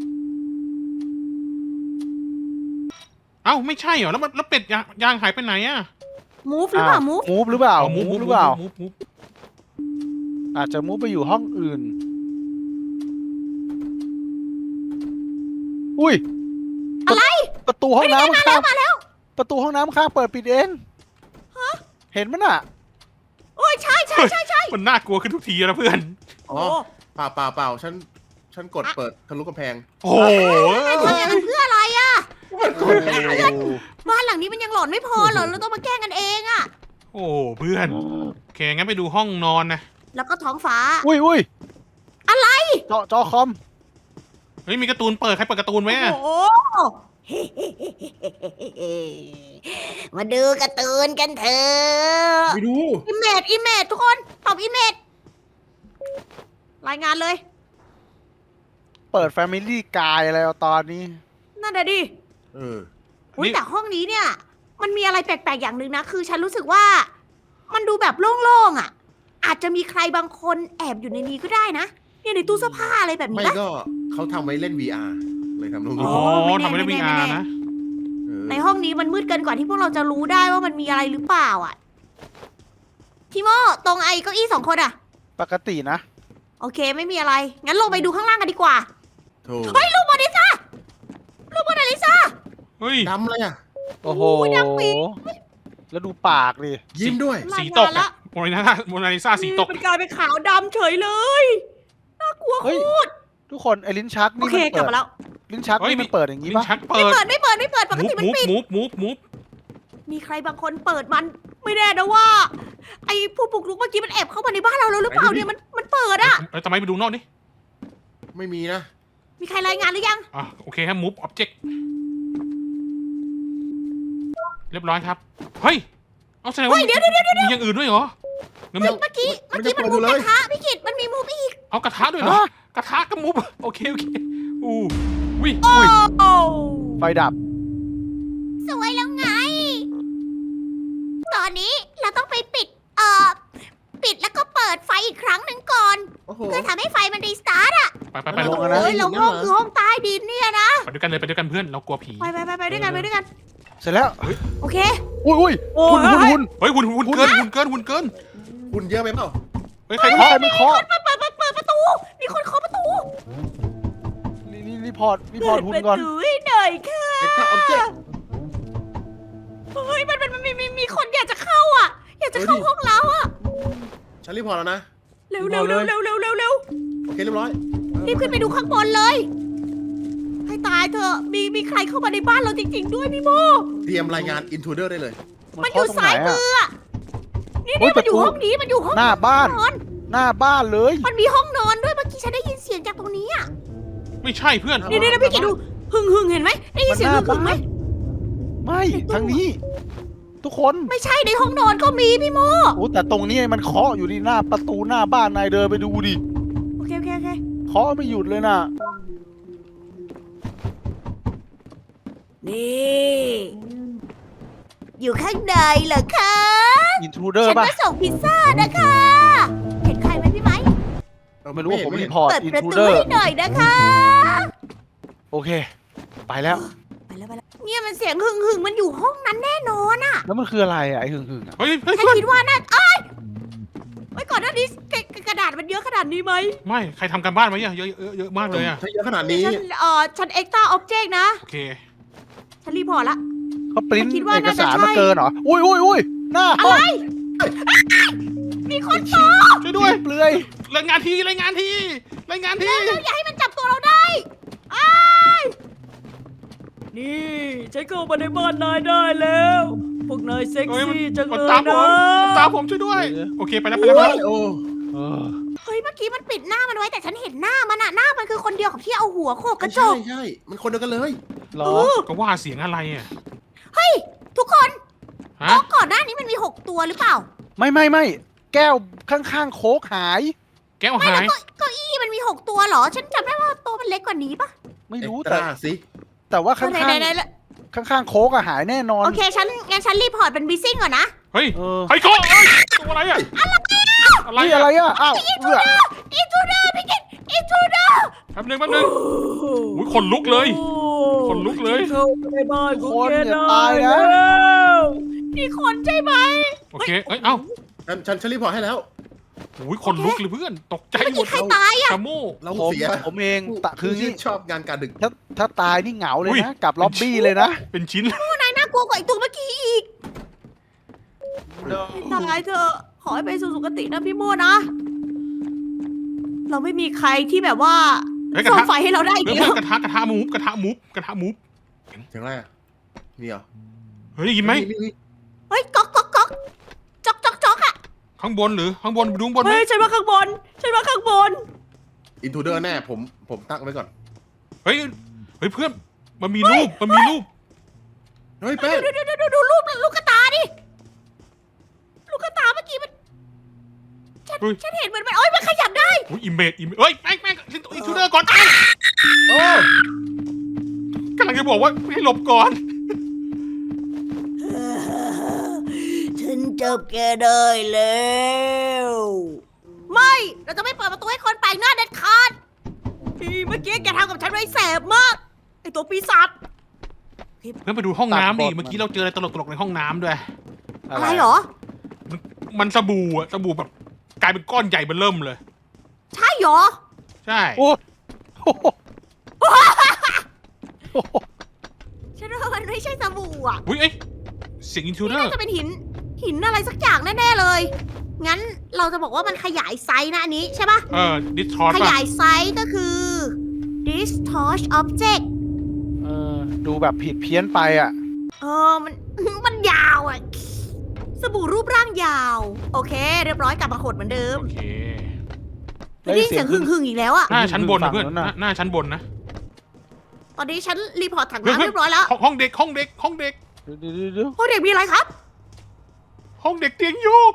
Speaker 2: เอ้าไม่ใช่เหรอแล้วมันแล้วเป็ดยางยางหายไปไหนอะ
Speaker 1: มูฟหรือเปล่ามูฟ
Speaker 4: มูฟหรือเปล่า
Speaker 2: มู
Speaker 4: มู
Speaker 2: ฟ
Speaker 4: ฟหรือเปล่า
Speaker 2: มูฟมูฟ
Speaker 4: อาจจะมูฟไปอยู่ห้องอื่น อุ้ย
Speaker 1: อะไร
Speaker 4: ประตูห้องน้ำ
Speaker 1: มา
Speaker 4: ข้า
Speaker 1: แล้ว
Speaker 4: ง
Speaker 1: มาแล้ว
Speaker 4: ประตูห้องน้ำข้างเปิดปิดเองเห็นมั้ยน่ะ
Speaker 1: โอ้ยใช่ใช่ใช่ใช่
Speaker 2: มันน่ากลัวขึ้นทุกทีแล้วเพื่อน
Speaker 3: อ๋อเปล่าเปล่าเปล่าฉันฉันกดเปิดทะลุกำแพง
Speaker 2: โอ้โห
Speaker 1: ทำอย่างนั้นเพื่ออะไรอะ
Speaker 3: มันกดได้อะ
Speaker 1: บ้านหลังนี้มันยังหลอนไม่พอเหรอเราต้องมาแกล้งกันเองอะ
Speaker 2: โอ้เพื่อนโอเคงั้นไปดูห้องนอนนะ
Speaker 1: แล้วก็ท้องฟ้า
Speaker 4: อุ้ยอุ้ย
Speaker 1: อะไร
Speaker 4: จอจอคอม
Speaker 2: เฮ้ยมีการ์ตูนเปิดใครเปิดการ์ตูนไหมอะ
Speaker 1: โอ้โห มาดูการ์ตูนกันเถอะ
Speaker 3: ไปดู
Speaker 1: อิมเมจอิมเมจทุกคนตอบอิมเมจรายงานเลย
Speaker 4: เปิด Family กายอะไรเอาตอนนี้
Speaker 1: นั่นแหะดิ
Speaker 3: เออ
Speaker 1: อุ๊ยแต่ห้องนี้เนี่ย มันมีอะไรแปลกๆอย่างหนึ่งนะ คือฉันรู้สึกว่า มันดูแบบโล่งๆอ่ะ อาจจะมีใครบางคนแอบอยู่ในนี้ก็ได้นะเนี่ยในตู้เสื้อผ้าอะไรแบบ
Speaker 3: ไม่
Speaker 1: นี้ปะ
Speaker 3: ก็เขาทำไว้เล่น วี อาร์ เลยทำตรง
Speaker 2: อ๋
Speaker 3: นี้
Speaker 2: อทำไม่ได้วีอาร์นะ
Speaker 3: เออ
Speaker 1: ในห้องนี้มันมืดเกินกว่าที่พวกเราจะรู้ได้ว่ามันมีอะไรหรือเปล่าอ่ะพี่โมตรงไอ้เก้าอี้สองคนอ่ะ
Speaker 4: ปกตินะ
Speaker 1: โอเคไม่มีอะไร งั้นลงไปดูข้างล่างกันดีกว่า
Speaker 3: โถู
Speaker 1: เฮ้ยลูกโมนาลิซาลูกโมนาลิซา
Speaker 2: เฮ้ย
Speaker 3: ดำเลยอ่ะ
Speaker 4: โอ้โห
Speaker 1: โอ้ยดำปี
Speaker 4: แล้วดูปากดิ
Speaker 3: ยิ้มด้วย
Speaker 2: สีตกอะโมนาลิซาโมนาลิซาสีตก
Speaker 1: มันกลายเป็นขาวดำเฉยเลย น่ากลัวโค
Speaker 4: เฮ้ย
Speaker 1: ตร
Speaker 4: ทุกคนไอ้ลิ้นชัก
Speaker 1: โอ
Speaker 4: นี่
Speaker 1: เค
Speaker 4: มัน
Speaker 1: กลั
Speaker 4: เปิ
Speaker 1: บ
Speaker 4: ด
Speaker 1: มาแล้ว
Speaker 4: ลิ้นชัก
Speaker 2: เฮ้ย
Speaker 4: นี่มันเปิดอย่างนี้
Speaker 2: ลิ้
Speaker 4: ปะ
Speaker 2: นชัก
Speaker 1: ไม่
Speaker 2: เปิด
Speaker 1: เปิดไม่เปิดไม่เปิดปก
Speaker 2: มู
Speaker 1: ติ
Speaker 2: ฟ
Speaker 1: มัน
Speaker 2: มูฟ
Speaker 1: ปิด
Speaker 2: มูฟมูฟมูฟ
Speaker 1: มีใครบางคนเปิดมัน ไม่แน่นะว่า ไอ้ผู้ปลุกรุกเมื่อกี้มันแอบเข้ามาในบ้านเราแล้วหรือเปล่าเนี่ยมันมันเปิดอะ
Speaker 2: เอ้ยทำไมไปดูนอกดิ
Speaker 3: ไม่มีนะ
Speaker 1: มีใครรายงานหรือยัง
Speaker 2: อ่ะโอเคครับมูฟออบเจกต์เรียบร้อยครับ เฮ้ย เอาแสดงว่า
Speaker 1: เฮ้ยเดี๋ยวเดี๋ยวเดี๋ยว
Speaker 2: มีอย่างอื่นด้วยเหรองั้น
Speaker 1: เฮ้
Speaker 2: มู
Speaker 1: ยเมื่อกี้
Speaker 3: มั
Speaker 1: เมื่
Speaker 3: น
Speaker 1: อกี้มัน
Speaker 3: จะเปิด
Speaker 1: มูฟ
Speaker 3: ดู
Speaker 1: ก
Speaker 3: เลย
Speaker 1: ระทะพี่กิตมันมีมูฟอีก
Speaker 2: เอากระทะด้วยเหรอ กระทะกับมูฟโอเคโอเคอู้วิ
Speaker 1: โอ้
Speaker 4: ไฟดับ
Speaker 1: สวยแล้วไง ตอนนี้เราต้องไปปิด เอ่อ ปิดแล้วก็เปิดไฟอีกครั้งหนึ่งก่อน
Speaker 3: โอ้โห
Speaker 1: เพื่อทำให้ไฟมันรีสตาร์ทอะ
Speaker 2: ไปไปไป
Speaker 4: ลงกันนะ
Speaker 1: เฮ้ยเราห้องคือห้องใต้ดินเนี่ยนะ
Speaker 2: ไปด้วยกันเลยไปด้วยกันเพื่อนเรากลัวผี
Speaker 1: ไปไปไปไปด้วยกันไปด้วยกัน
Speaker 4: เสร็จแล้ว
Speaker 1: โอเค
Speaker 4: อุ้ยอุ้ย
Speaker 1: โอ้
Speaker 4: หุ่น
Speaker 1: ย
Speaker 4: หุ่นหุ่น
Speaker 2: เฮ้ยหุ่นหุ่นเกินหุ่นเกินหุ่นเกิน
Speaker 3: คุณเยอะไปเปล่า
Speaker 2: เฮ้ยใคร
Speaker 4: ใคร
Speaker 2: เคาะ
Speaker 4: ไม่เคาะ
Speaker 1: เปิดเปิดเปิดเปิดประตู มีคนเคาะประตู
Speaker 4: นี่นี่รีพอร์ตรีพอร์ตหุ่นก่อน
Speaker 1: เปิดประตูให้หน่อยค่ะ
Speaker 3: เอ็กซ์ตร้าออบเจกต์
Speaker 1: เฮ้ยมันมันมันมีมีมีคนอยากจะเข้าอ่ะ อยากจะเข้าห้องเราอ่ะ
Speaker 3: ฉันรีพอร์ตแล้วนะ
Speaker 1: เร็วเร็วเร็วเร็วเร็วเร็วเร็ว
Speaker 3: โอเคเรียบร้อย
Speaker 1: รีบขึ้นไปดูข้างบนเลย ให้ตายเถอะ มีมีใครเข้ามาในบ้านเราจริง ๆ ด้วยพี่โม
Speaker 3: เตรียมรายงาน intruder ได้เลย
Speaker 1: มันอยู่
Speaker 4: เคะตรง
Speaker 1: ซ้าย
Speaker 4: ไหน
Speaker 1: มื
Speaker 4: อะ
Speaker 1: ออะนี่
Speaker 4: เฮ้
Speaker 1: นี่
Speaker 4: ย
Speaker 1: มันอยู่
Speaker 4: ประตู
Speaker 1: ห้องนี้มันอยู่ห้อง
Speaker 4: หน้าบ้าน
Speaker 1: นอน
Speaker 4: หน้าบ้านเลย
Speaker 1: มันมีห้องนอนด้วยเมื่อกี้ฉันได้ยินเสียงจากตรงนี้อ่ะ
Speaker 2: ไม่ใช่เพื่อน
Speaker 1: นี่นี่นี่พี่กิดดูหึ่งหึ่งเห็นไหมได้ยินเสียงหึ่งหึ่งไหม
Speaker 4: ไม่ทางนี้ ทุกคน
Speaker 1: ไม่ใช่ในห้องนอนก็มีพี่โม
Speaker 4: โอ้แต่ตรงนี้มันเคาะอยู่ที่หน้าประตูหน้าบ้านนายเดินไปดูดิ
Speaker 1: โอเคโอเคโอเค
Speaker 4: เคาะไม่หยุดเลยน่ะ
Speaker 1: นี่อยู่ข้างในเหรอคะ
Speaker 4: อินทรูเดอร์
Speaker 1: ฉัน
Speaker 4: ป่ะ
Speaker 1: มาส่งพิซซ่านะคะ เห็นใครไหมพี่ไหม
Speaker 4: ไม่รู้ว่าผม
Speaker 3: ไเห็
Speaker 4: รี
Speaker 3: น
Speaker 4: พอร์ต
Speaker 1: เปิด
Speaker 4: อิน
Speaker 1: ประ
Speaker 4: ทรู
Speaker 1: ตู
Speaker 4: เดอร์
Speaker 1: ให้หน่อยนะคะ
Speaker 4: โอเค ไปแล้ว
Speaker 1: ไปแล้วไปแล้วเนี่ยมันเสียงหึ่งหึ่งมันอยู่ห้องนั้นแน่นอนอะ
Speaker 4: แล้วมันคืออะไรอ่ะไอ้หึ่งหึ่งๆอ่ะ
Speaker 2: เฮ้ยเฮ้ย
Speaker 1: ฉัน
Speaker 2: เพื่อน
Speaker 1: คิดว่าน่าเอ้ยไว้ก่อนหน้านี้กระกระดาษมันเยอะขนาดนี้ไหม
Speaker 2: ไม่ใครทำการบ้านไว้อะเยอะเยอะเยอะมากเลยอะ
Speaker 3: ใช้เยอะขนาด
Speaker 1: เดี๋ยว
Speaker 3: นี้
Speaker 1: ฉันเอ่อฉันเอ็กซ์ตร้าออบเจกต์นะ
Speaker 2: โอเค
Speaker 1: ฉันรีพอร์ตละ
Speaker 4: เขาปริ้น
Speaker 1: คิดว่า
Speaker 4: เอก
Speaker 1: น่าจะ
Speaker 4: สาร
Speaker 1: ใช่
Speaker 4: มาเกินเหรอ อุ้ยอุ้ยอุ้ยหน้าห้อง
Speaker 1: มีคนตก
Speaker 2: ช่วยด้วย
Speaker 4: เปลือย
Speaker 2: รายงานทีรายงานทีรายงานที
Speaker 1: แล้วอย่าให้มันจับตัวเราได้อ้ายนี่ฉันเข้ามาในบ้านนายได้แล้ว พวกนายเซ็ก
Speaker 2: เฮ้ยมัน
Speaker 1: ซี่จัง
Speaker 2: มัน
Speaker 1: เลย
Speaker 2: ตามผ
Speaker 1: นะ
Speaker 2: มมันตามผมช่วยด้วย โอเคไปแล้วไปแล้วไปแล้ว
Speaker 3: โอ้
Speaker 4: เออ
Speaker 1: เฮ้ยเมื่อกี้มันปิดหน้ามันไว้แต่ฉันเห็นหน้ามันอะหน้ามันคือคนเดียวกับที่เอาหัวโขกกระจ
Speaker 3: ใช่
Speaker 1: ก
Speaker 3: ใช่มันคนเดียวกันเลย
Speaker 4: เหรอ
Speaker 1: เออ
Speaker 2: ก็ว่าเสียงอะไรอ่ะ
Speaker 1: เฮ้ยทุกคน
Speaker 2: ฮะ
Speaker 1: โต๊ะก่อนหน้านี้มันมีหกตัวหรือเปล่า
Speaker 4: ไม่ไม่ไม่แก้วข้างๆโค้กหาย
Speaker 2: แก้ว
Speaker 1: ไม่
Speaker 2: หา
Speaker 1: แล้ว
Speaker 2: ย
Speaker 1: เก้าเก้าอี้มันมีหกตัวเหรอ ฉันจำได้ว่าตัวมันเล็กกว่านี้ปะ
Speaker 4: ไม่รู้
Speaker 3: เอ็กซ์ต
Speaker 4: แต่
Speaker 3: ร้าสิ
Speaker 4: แต่ว่าข้าง
Speaker 1: ไหน
Speaker 4: ข้าง
Speaker 1: ไหนไหน
Speaker 4: ข้างข้างๆโค้กอะหายแน่นอน
Speaker 1: โอเคฉันงั้นฉันรีพอร์ตเป็นบีซิ่งก่อนนะ
Speaker 2: เฮ้ย
Speaker 4: เออ
Speaker 2: ไอ้โก้เอ้ยตัวอะไรอ่ะอะไร
Speaker 4: นี่
Speaker 2: อะ
Speaker 4: อะไรอะอ้าวเอื้อ
Speaker 1: อินทูเดอร์พี่กิตอินทูเดอร์
Speaker 2: แป๊บนึงแป๊บนึงอุ้ยขนลุกเลย ขนลุกเลย
Speaker 1: เข้าในบ้าน
Speaker 4: ทุก
Speaker 1: ของ
Speaker 4: คน
Speaker 1: แก
Speaker 4: อย่า
Speaker 1: ได้
Speaker 4: ตายนะ
Speaker 1: แล้วนี่คนใช่ไหม
Speaker 2: โอเคเอ้ยเอ้า
Speaker 3: ฉันฉันฉันรีพอร์ตให้แล้ว
Speaker 2: อุ้ยขนลุกเลยเพื่อนตกใจ
Speaker 1: เมื่อ
Speaker 2: หม
Speaker 1: กี้
Speaker 2: ด
Speaker 1: ใครตายอ่ะ
Speaker 2: ชาโม่
Speaker 3: เรา
Speaker 4: ผม
Speaker 3: เสีย
Speaker 4: ผมเองตะคือ
Speaker 3: ที่
Speaker 4: นี่
Speaker 3: ชอบงานการดึก
Speaker 4: ถ้าถ้าตายนี่เหงาเลย
Speaker 2: อุ้ย
Speaker 4: นะกลับล็อบบี้เลยนะ
Speaker 2: เป็นชิ้น
Speaker 1: นายน่ากลัวกว่าไอีตัวเมื่อกี้อีกตายเถอะขอให้ไปสู่สุคตินะพี่โมนะ เราไม่มีใครที่แบบว่า
Speaker 2: เฮ้ยกระ
Speaker 1: ส่อง
Speaker 2: ทะ
Speaker 1: ไฟให้เราได้อีก
Speaker 2: เพื่อน
Speaker 1: แล้ว
Speaker 2: กระทะกระทะมูฟกระทะมูฟกระทะมูฟ
Speaker 3: เสียงอะไรอ่ะมีเหรอ
Speaker 2: เฮ้ยได้ยินไหม
Speaker 1: เฮ้ยก๊อกก๊อกก๊อกจ๊อกจ๊อกจ๊อกอ่ะ
Speaker 2: ข้างบนหรือข้างบนไปดูข้างบนไหม
Speaker 1: เฮ้ยฉันว่าข้างบนฉันว่าข้างบน
Speaker 3: อินทูเดอร์แน่ผมผมตั้งไว้ก่อน
Speaker 2: เฮ้ยเฮ้ยเพื่อนมันมีรูปมันมีรูป
Speaker 3: เฮ้ยแป้ง
Speaker 1: ดูดูดูดูดูรูปลูกกระตาดิลูกกระตาเมื่อกี้มันฉัน
Speaker 2: เฮ้ย
Speaker 1: ฉันเห็นเหมือนมันโอ้ยมันขยับได้
Speaker 2: อุ้ยอิมเมจอิมเมจเฮ้ยแม่งแม่งอินทูเดอร์ก่อนแม่ง
Speaker 3: โอ้
Speaker 2: กำลังจะบอกว่าให้หลบก่อน
Speaker 1: ฉันจับแกได้แล้วไม่เราจะไม่เปิดประตูให้คนแปลกหน้าเด็ดขาดที่เมื่อกี้แกทำกับฉันไว้แสบมากไอตัวปีศาจ
Speaker 2: เพื่อนไปดูห้องน้ำดิ
Speaker 4: ตัดบท
Speaker 2: เมื่อกี้เราเจออะไรตลกๆในห้องน้ำด้วย
Speaker 1: อะไรเหรอ
Speaker 2: มันสบู่อะสบู่แบบกลายเป็นก้อนใหญ่เบ้อเริ่มเลย
Speaker 1: ใช่เหรอ
Speaker 2: ใช่
Speaker 4: โอ้โห
Speaker 1: ฉันว่ามันไม่ใช่สบู่อ่ะ
Speaker 2: อุ้ยเอ้ยเสียงอินทูเดอ
Speaker 1: น่า
Speaker 2: ร์
Speaker 1: จะเป็นหินหินอะไรสักอย่างแน่ๆเลย งั้นเราจะบอกว่ามันขยายไซส์นะอันนี้ใช่ปะ
Speaker 2: เออดิสทอร์
Speaker 1: ข
Speaker 2: ป่ะ
Speaker 1: ยายไซส์ก็คือ distort object
Speaker 4: เออดูแบบผิดเพี้ยนไปอ่ะ
Speaker 1: เออมัน มันยาวอ่ะ สบู่รูปร่างยาว โอเค เรียบร้อยกลับมาขดเหมือนเดิม
Speaker 2: โอเค
Speaker 1: ไม่ได้ยินเสียงหึ่งหึ่งๆอีกแล้วอ่ะ
Speaker 2: หน้าชั้นบนนะ
Speaker 4: ฝั่ง
Speaker 2: เพื่อน
Speaker 4: นั้นน่ะ
Speaker 2: หน้าชั้นบนนะ
Speaker 1: ตอนนี้ฉันรีพอร์ตถัง
Speaker 2: เฮ้ย
Speaker 1: น้ำเรียบร้อยแล้ว
Speaker 2: ห้องห้องเด็กห้องเด็กห้องเด็ก
Speaker 4: เดี๋ยวเดี๋ยวเดี๋ยว
Speaker 1: โอ้เด็กมีอะไรครับ
Speaker 2: ห้องเด็กเตียงโยก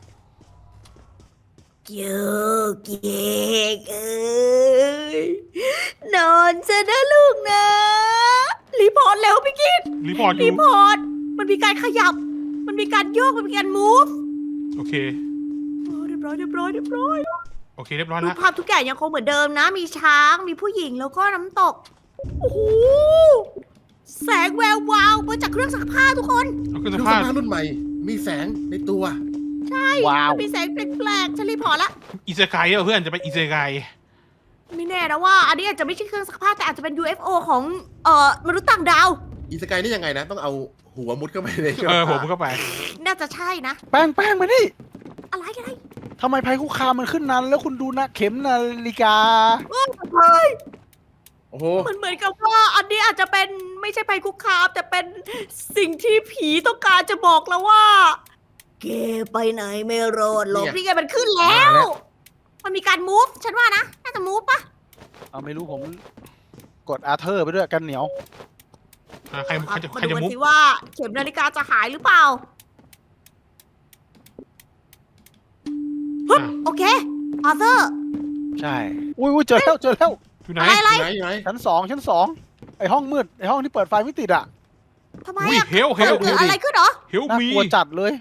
Speaker 1: เจอเก๊กเอ้ยนอนจะนะลูกนะ รีพอร์ตเร็วพี่กิต
Speaker 2: รีพอร์ตอ
Speaker 1: รี
Speaker 2: ยู่
Speaker 1: พอร์ต มันมีการขยับ มันมีการโยก มันมีการ move
Speaker 2: โอเค
Speaker 1: โอ้เรียบร้อยเรียบร้อยเรียบร้อย
Speaker 2: โอเคเรียบร้อย
Speaker 1: รู
Speaker 2: แล้
Speaker 1: ป
Speaker 2: ว
Speaker 1: ภาพทุกอย่างยังคงเหมือนเดิมนะ มีช้าง มีผู้หญิงแล้วก็น้ำตก โอ้โห แสงแวววาวมาจากเครื่องซักผ้าทุกคน
Speaker 2: เอา
Speaker 3: เค
Speaker 2: ขึ้น
Speaker 3: รื่
Speaker 2: ส
Speaker 3: อง
Speaker 2: ภา
Speaker 3: ซั
Speaker 2: พ
Speaker 3: กผ้ารุ่นใหม่ มีแสงในตัว
Speaker 4: ว้าว
Speaker 1: มันมีแสงแปลกๆฉันรีพอร์ตละ
Speaker 2: อิเซไกเหรอเพื่อนจะไปอิเซไก
Speaker 1: ไม่แน่นะว่า อันนี้อาจจะไม่ใช่เครื่องซักผ้าแต่อาจจะเป็น ยู เอฟ โอ ของเอ่อมนุษย์ต่างดาว
Speaker 3: อีสกายนี่ยังไงนะ ต้องเอาหัวมุดเข้าไปใน
Speaker 2: เออผมเข้าไป
Speaker 1: น่าจะใช่นะ
Speaker 4: แป้งแป้งมาดิ
Speaker 1: อะไรกันไ
Speaker 4: ทำไมภัยคุกคามมันขึ้นนั้น แล้วคุณดูนะเข็มนาฬิกา
Speaker 1: เฮ้ย
Speaker 3: โอ้โห
Speaker 1: มันเหมือนกับว่าอันนี้อาจจะเป็นไม่ใช่ภัยคุกคามแต่เป็นสิ่งที่ผีต้องการจะบอกเราว่าแกไปไหนไม่รอดหรอกนี่ไงมันขึ้นแล้ว มันมีการ move ฉันว่านะ น่าจะ move ปะ
Speaker 4: เอาไม่รู้ผมกดอาเธอร์ไปด้วยกันเหนียว
Speaker 2: อ่ะใครใครจะ
Speaker 1: มา
Speaker 2: ใคร
Speaker 1: ดู
Speaker 2: จะ
Speaker 1: กัน
Speaker 2: มุก
Speaker 1: สิว่าเข็มนาฬิกาจะหายหรือเปล่า
Speaker 2: อ่ะ
Speaker 1: โอเคอาเธอร์
Speaker 4: ใช่ อุ้ยอุ้ยเจอแล้วเจอแล้ว
Speaker 2: อยู่ไหน
Speaker 1: อะไรอะไร
Speaker 3: อยู่ไหนอยู่ไหน
Speaker 4: ชั้นสองชั้นสองไอห้องมืดไอห้องที่เปิดไฟไม่ติดอ่ะ
Speaker 1: ทำไม
Speaker 2: อุ้ย
Speaker 1: อะ
Speaker 2: เฮลเฮ
Speaker 1: เกิ
Speaker 2: ล
Speaker 1: ดเกิดอะไรขึ้นเหรอ
Speaker 2: เฮล
Speaker 4: น่า
Speaker 2: มี
Speaker 4: กลัวจัดเลย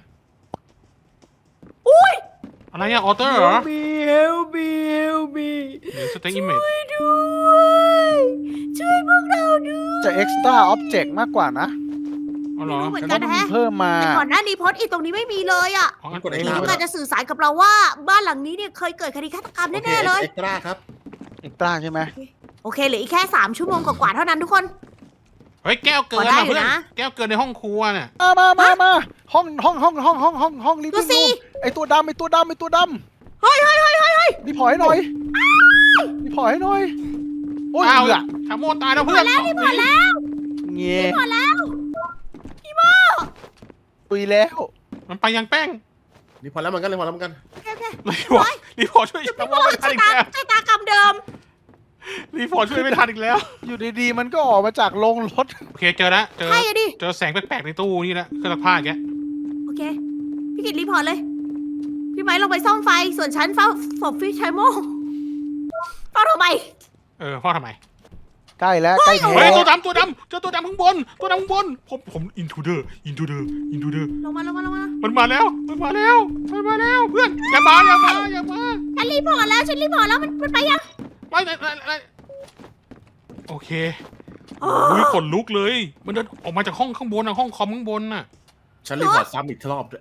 Speaker 1: อุ้ย
Speaker 2: อะไรอะออเตอร์เหรอ
Speaker 1: มีเฮลมีเฮลมี
Speaker 2: เดี๋ยวสเต็กอิมเมจ
Speaker 1: ช่วยด้วยช่วยพวกเราด้วย
Speaker 4: จะ extra object มากกว่านะ
Speaker 2: อ๋อเหรอ
Speaker 1: เหมือน
Speaker 4: แล้
Speaker 1: กั
Speaker 4: วน ต้อง
Speaker 1: นะ
Speaker 4: มี
Speaker 1: ฮะ
Speaker 4: เพิ่มมา
Speaker 1: แต่ก่อนหน้านี้โพสต์อีตรงนี้ไม่มีเลยอ่ะ
Speaker 2: อ๋อ
Speaker 3: กดไอ้
Speaker 1: ผี
Speaker 3: น้ำ
Speaker 1: ต้องการจะสื่อสารกับเราว่าบ้านหลังนี้เนี่ยเคยเกิดคดีฆาตกรรม
Speaker 3: โอเค
Speaker 1: แน่ๆเลย
Speaker 3: เอ็กซ์ตร้าครับ
Speaker 4: extra ใช่ไหม
Speaker 1: โอเคเหลืออีกแค่สามชั่วโมงกว่าๆเท่านั้นทุกคน
Speaker 2: เฮ้ยแก้วเกิน
Speaker 1: พอได้
Speaker 2: อะ
Speaker 1: อยู่
Speaker 2: เพื่อน
Speaker 1: นะ
Speaker 2: แก้วเกินในห้องครัวเนี่ย
Speaker 4: มามามามาห้องห้องห้องห้องห้องห้องห้องลิฟ
Speaker 1: ดู
Speaker 4: วิ่ง
Speaker 1: สิ
Speaker 4: รูมไอตัวดำไอตัวดำไอตัวด
Speaker 1: เฮ้ยเฮ้ยเฮ้ยเฮ้ยเฮ้ย
Speaker 4: รีพอร์ตให้หน่อยรีพอร์ตให้หน่อยโอ้ย
Speaker 2: อ้าว
Speaker 4: เหลือ
Speaker 2: ชาโมตายแล้วเพื่อน
Speaker 1: แล้วนี่พอแล้ว
Speaker 4: เงี้ย
Speaker 1: พอแล้วพี่โม
Speaker 4: ตุยแล้ว
Speaker 2: มันไปยังแป้ง
Speaker 3: นี่พอแล้วเหมือนกันเลยพอแล้วเหมือนกัน
Speaker 1: โอเคโอเค
Speaker 2: รีพอร์ตรีพอร์ตช่วย
Speaker 1: พี่
Speaker 2: ชาโม
Speaker 1: โม
Speaker 2: ไม่ทั
Speaker 1: ชะ
Speaker 2: นอีก
Speaker 1: ตา
Speaker 2: แล้ว
Speaker 1: ชะตากรรมเดิม
Speaker 2: รีพอร์ตช่วยไม่ทันอีกแล้ว
Speaker 4: อยู่ดีๆมันก็ออกมาจากโรงรถ
Speaker 2: โอเคเจอแล้วเจอ
Speaker 1: ใช่อะดิ
Speaker 2: เจอแสงแปลกๆในตู้นี่แหละเครื่องซักผ้าอย่างเงี้ย
Speaker 1: โอเค พี่กิตรีพอร์ตเลย พี่ไม้ลงไปซ่อมไฟ ส่วนฉันเฝ้าศพพี่ชายโมเฝ้าทำไม
Speaker 2: เออพ่อทำไม
Speaker 4: ใกล้แล้วใกล้แท้
Speaker 2: เฮ้ยตัวดำตัวดำเจอตัวดำข้างบน ตัวดำข้างบน ผมผมอินทูเดอร์อินทูเดอร์อินทูเดอร์
Speaker 1: ลงมาลงมาลงมา
Speaker 2: มันมาแล้ว มันมาแล้ว มันมาแล้วเพื่อนอย่ามาอย่ามาอย่ามา
Speaker 1: ฉันรีพอร์ตแล้ว ฉันรีพอร์ตแล้ว มันมันไปยัง
Speaker 2: ไม่ไม่ไม่ไม่โอเคโอ้ยขนลุกเลย มันเดินออกมาจากห้องข้างบนอะห้องคอมข้างบนน่ะ
Speaker 3: ฉันรีพอร์ตซ้ำอีกรอบด้วย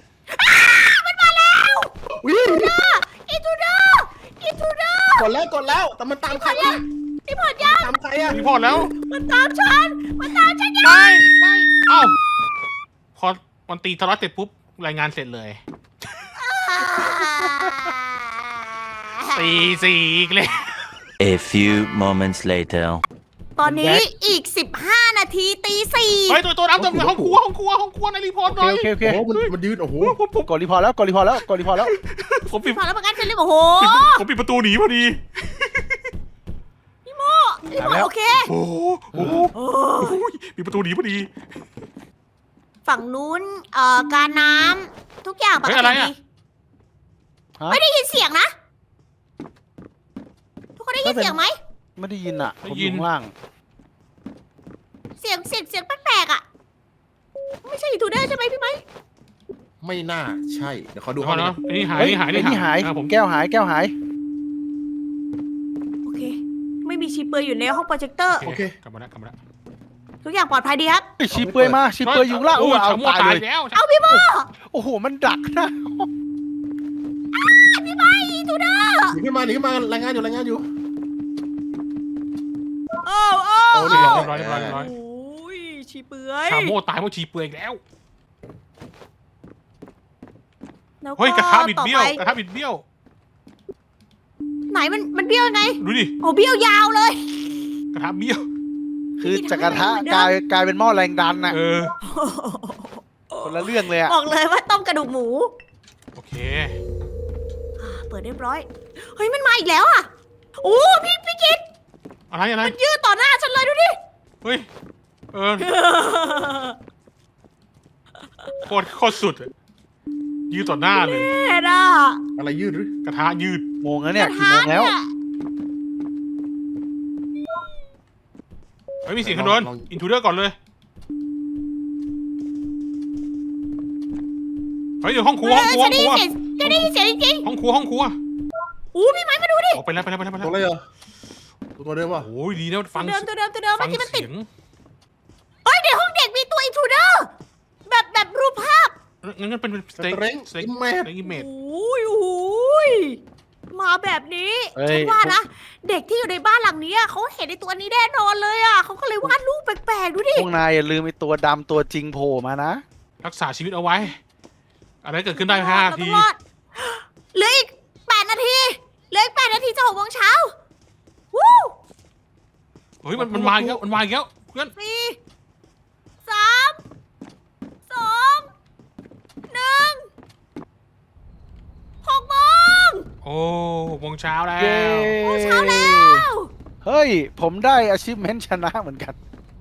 Speaker 1: อินทูเดอร์อินทูเดอร์
Speaker 3: กดแล้วกดแล้วแต่มันตามใคร
Speaker 1: รีพอร์ตยัง
Speaker 3: ตามใครอะ
Speaker 2: รีพอร์ตแล้ว
Speaker 1: มันตามฉัน มันตามฉันยัง
Speaker 2: ไม่ไม่เอ้าพอวันตีทะเลาะเสร็จปุ๊บรายงานเสร็จเลยสี่สี่อีกเลย
Speaker 5: A few moments later.
Speaker 1: ตอนนี้อีกสิบห้านาทีตีสี่
Speaker 2: เฮ้ยตัวตัวน้ำตัวห้องครัวห้องครัวห้องครัวในรีพอร์ตห
Speaker 4: โอ
Speaker 2: น่อย
Speaker 4: เคโอเคโอเค
Speaker 3: โอ้โหมันมันยืนโอ้โห
Speaker 2: ผมผม
Speaker 4: กดรีพอร์ตแล้วกดรีพอร์ตแล้วกดรีพอร์ตแล้ว
Speaker 2: ผมปิด
Speaker 1: พอแล้วประกันฉันรีบโอ้โห
Speaker 2: ผมปิดประตูหนีพอดี
Speaker 1: รีพอร์ตโอเค
Speaker 2: โอ้โหโอ้โห
Speaker 1: โอ้
Speaker 2: โอ้ยปิดประตูหนีพอดี
Speaker 1: ฝั่งนู้นเอ่อการน้ำทุกอย่างปก
Speaker 2: เฮ้ย
Speaker 1: ติ
Speaker 2: อะไร
Speaker 1: ดี
Speaker 2: อะ
Speaker 4: ฮะ
Speaker 1: ไม่ได้ยินเสียงนะ ทุกคนได้ยินเสียงไหม
Speaker 4: ไม่ได้ยินอ่ะผม
Speaker 2: ได้
Speaker 4: อ
Speaker 2: ยิน
Speaker 4: ยู่ข้างล่าง
Speaker 1: เสียงเสียงเสียงแปลกๆอ่ะ ไม่ใช่ทูเดอร์ใช่ไหมพี่ไหม
Speaker 3: ไม่น่าใช่เดี๋ยวเขาดู
Speaker 2: ดู
Speaker 3: ห้อง
Speaker 2: เนาะ
Speaker 3: นี้
Speaker 2: นี่หาย
Speaker 4: เฮ้ย
Speaker 2: นี่หาย
Speaker 4: ไอ้นี่หาย
Speaker 2: อ่ะผม
Speaker 4: แก้วหายแก้วหาย
Speaker 1: โอเค ไม่มีชีเปลือยอยู่ในห้องโปรเจคเตอร์
Speaker 2: โอเคกลับมาแล้วกลับมาแล้ว
Speaker 1: ทุกอย่างปลอดภัยดีครับ
Speaker 4: เฮ้ยชีเปลือยมาชีเปลือยอยู่ข้างล่าง
Speaker 2: โอ้
Speaker 4: โอ้
Speaker 2: ย
Speaker 4: เอา
Speaker 2: ชะโม
Speaker 4: ตาย
Speaker 2: ตาย
Speaker 4: เลย
Speaker 2: แล้ว
Speaker 1: เอาพี่โม
Speaker 4: โอ้โหมันดักนะ
Speaker 1: พี่ไหมทูเดอร์
Speaker 3: หนีขึ้นมาหนีขึ้นมารายงานอยู่รายงานอยู่
Speaker 1: โอ้โอ้
Speaker 3: โอ้
Speaker 2: เรี
Speaker 3: นี่
Speaker 2: ย
Speaker 1: โอ้
Speaker 2: บร้อยเรียบร้อยเรียบร้อย
Speaker 1: โอ้ยชีเปลือย
Speaker 2: ชาโมตายเพราะชีเปลือยอีกแล้ว
Speaker 1: แล้ว
Speaker 2: เฮ้ยกระทะบิดเบี้ยว
Speaker 1: ต่อไป
Speaker 2: กระทะบิดเบี้ยว
Speaker 1: ไหนมันมันเบี้ยวยังไง
Speaker 2: ดูดิ
Speaker 1: โอ้เบี้ยวยาวเลย
Speaker 2: กระทะเบี้ยว
Speaker 4: คือจากกระทะกลายกลายเป็นหม้อแรงดันน่ะ
Speaker 2: เออ
Speaker 4: คนละเรื่องเลยอ่ะ
Speaker 1: บอกเลยว่าต้มกระดูกหมู
Speaker 2: โอเค
Speaker 1: อ่าเปิดเรียบร้อย เฮ้ยมันมาอีกแล้วอ่ะโอ้พี่พี่กิต
Speaker 2: อะไรอะไร
Speaker 1: มันยืดต่อหน้าฉันเลยดูดิ
Speaker 2: เฮ้ย เออโคตรโคตรสุดอะยืดต่อหน้าเลย
Speaker 1: เห็นอ่ะ
Speaker 3: อะไรยืดหรือก
Speaker 2: ระทะยืด
Speaker 4: โมงแล้วเนี่ยกี่โมงแล้ว
Speaker 2: เฮ้ยมีเสียงขนนอินทูเดอร์ก่อนเลย เฮ้ยเดี๋ยวห้องครัวห้องครัว
Speaker 1: ฉั
Speaker 2: ห้
Speaker 1: น
Speaker 2: อง
Speaker 1: ได้
Speaker 2: ค
Speaker 1: ยิ
Speaker 2: รั
Speaker 1: น
Speaker 2: ว
Speaker 1: เสียงฉันได้ยินเสียงจริง
Speaker 2: ห้องครัวห้องครัว
Speaker 1: ๆอู้พี่ไม้มาดูดิ
Speaker 2: ออกไปแล้วไปแล้วไปแล้วไปแล้
Speaker 3: ตัว
Speaker 2: ว
Speaker 3: อะไรเหรอตัวเดิมป่ะ
Speaker 2: โอ้ยดีนะ
Speaker 1: ตั
Speaker 2: ฟั
Speaker 1: ว
Speaker 2: ง
Speaker 1: เดิมตัวเดิมตัวเดิม
Speaker 2: ฟั
Speaker 1: เมื่อกี้มันติด
Speaker 2: เสียง
Speaker 1: เฮ้ยในห้องเด็กมีตัวอินทรูเดอร์แบบแบบรูปภาพ
Speaker 2: งั้นงั้นเป็นส
Speaker 3: ส
Speaker 2: เต็ก
Speaker 3: เตรง
Speaker 2: สเต็ก
Speaker 3: อิมแม
Speaker 2: ส
Speaker 3: ท
Speaker 2: เต็กอิมเมจ
Speaker 1: โอ้ยโอ้ยมาแบบนี้
Speaker 4: เฮ้ย
Speaker 1: ฉันว่านะเด็กที่อยู่ในบ้านหลังนี้อะเขาเห็นในตัวนี้แน่นอนเลยอ่ะเขาก็เลยวาดรูปแปลกๆดูดิ
Speaker 4: พวกนายอย่าลืมไอ้ตัวดำตัวจริงโผล่มานะ
Speaker 2: รักษาชีวิตเอาไว้ อะไรเกิดขึ้นได้ห้า
Speaker 1: เรา
Speaker 2: ที
Speaker 1: ต้องรอดเหลืออีกแปดนาทีเหลืออีกแปดนาทีจะหกโมงเช้าวู้
Speaker 2: เฮ้ยมันมันมาอีกแล้วมันมาอีกแล้วเพื่อน
Speaker 1: สี่สามสองหนึ่งหกโมง
Speaker 2: โอ้หกโมงเช้าแล้
Speaker 4: เย้
Speaker 2: ว
Speaker 1: เช้าแล้ว
Speaker 4: เฮ้ย ผมได้ achievement ชนะเหมือนกัน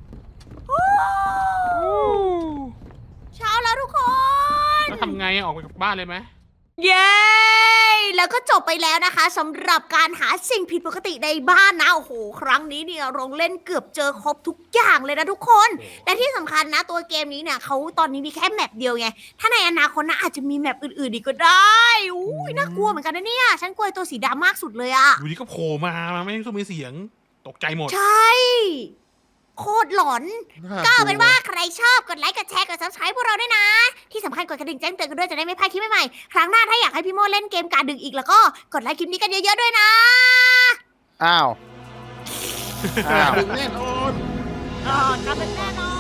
Speaker 1: เช้าแล้วทุกคน
Speaker 2: แล้วทำไงอะออกไปจากบ้านเลยไหม
Speaker 1: เย้ แล้วก็จบไปแล้วนะคะสำหรับการหาสิ่งผิดปกติในบ้านนะโอ้โหครั้งนี้เนี่ยเราเล่นเกือบเจอครบทุกอย่างเลยนะทุกคน และที่สำคัญนะตัวเกมนี้เนี่ยเขาตอนนี้มีแค่แมปเดียวไง ถ้าในอนาคตนะอาจจะมีแมปอื่นๆอีกก็ได้อุ้ยน่ากลัวเหมือนกันนะเนี่ย ฉันกลัวไอ้ตัวสีดำมากสุดเลยอะ
Speaker 2: อยู่ดีก็โผล่มาไม่ต้องมีเสียงตกใจหมด
Speaker 1: ใช่ โคตรหลอน ก็เอาเป็นว่าใครชอบกดไลค์กดแชร์กด ซับสไครบ์พวกเราด้วยนะ ที่สำคัญกดกระดิ่งแจ้งเตือนกันด้วยจะได้ไม่พลาดคลิปใหม่ๆครั้งหน้าถ้าอยากให้พี่โมเล่นเกมการดึกอีกแล้วก็กดไลค์คลิปนี้กันเยอะๆด้วยนะ
Speaker 4: อ้าว อ้าว
Speaker 3: ดึงแน่นอน
Speaker 1: อ่าการดึกแน่นอน